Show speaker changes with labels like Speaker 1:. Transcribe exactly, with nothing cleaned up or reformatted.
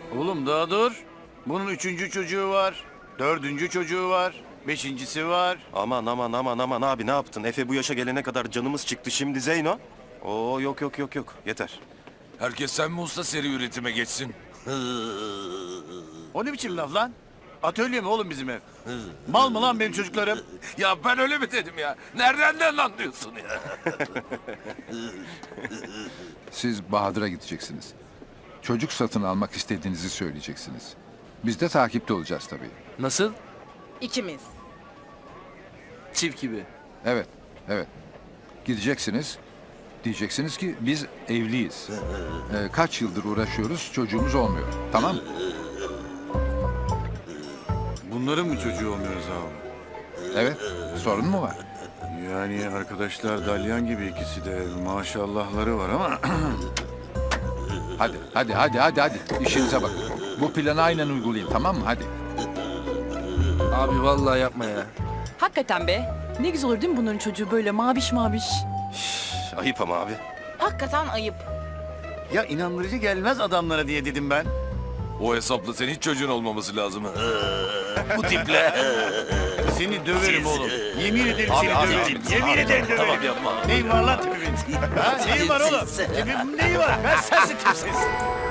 Speaker 1: Oğlum daha dur. Bunun üçüncü çocuğu var. Dördüncü çocuğu var. Beşincisi var.
Speaker 2: Aman aman aman aman abi ne yaptın? Efe bu yaşa gelene kadar canımız çıktı, şimdi Zeyno. Oo yok yok yok yok yeter.
Speaker 3: Herkes sen mi usta seri üretime geçsin?
Speaker 1: O ne biçim laf lan? Atölye mi oğlum bizim ev? Mal mı lan benim çocuklarım?
Speaker 3: Ya ben öyle mi dedim ya? Nereden anlıyorsun ya?
Speaker 4: Siz Bahadır'a gideceksiniz. Çocuk satın almak istediğinizi söyleyeceksiniz. Biz de takipte olacağız tabii.
Speaker 5: Nasıl?
Speaker 6: İkimiz.
Speaker 5: Çift gibi.
Speaker 4: Evet, evet. Gideceksiniz. Diyeceksiniz ki biz evliyiz. Ee, kaç yıldır uğraşıyoruz, çocuğumuz olmuyor. Tamam mı?
Speaker 1: Bunların mı çocuğu olmuyoruz abi?
Speaker 4: Evet. Sorun mu var?
Speaker 1: Yani arkadaşlar dalyan gibi ikisi de maşallahları var ama...
Speaker 4: Hadi, hadi, hadi, hadi, hadi. İşinize bakın. Bu planı aynen uygulayın, tamam mı? Hadi.
Speaker 5: Abi vallahi yapma ya.
Speaker 6: Hakikaten be. Ne güzel olur değil mi bunların çocuğu böyle maviş maviş.
Speaker 2: Ayıp ama abi.
Speaker 6: Hakikaten ayıp.
Speaker 1: Ya inandırıcı gelmez adamlara diye dedim ben.
Speaker 3: O hesapla senin hiç çocuğun olmaması lazım. Bu tiple.
Speaker 1: Seni döverim oğlum. Yemin ederim
Speaker 2: Abi,
Speaker 1: seni
Speaker 2: abi,
Speaker 1: döverim.
Speaker 2: abi,
Speaker 1: Yemin
Speaker 2: abi,
Speaker 1: ederim
Speaker 2: tamam,
Speaker 1: döverim.
Speaker 2: yapma.
Speaker 1: Neyin var lan tipimin? Ha, neyin var oğlum? Tipimin neyi var? Ben sensin tipsiz.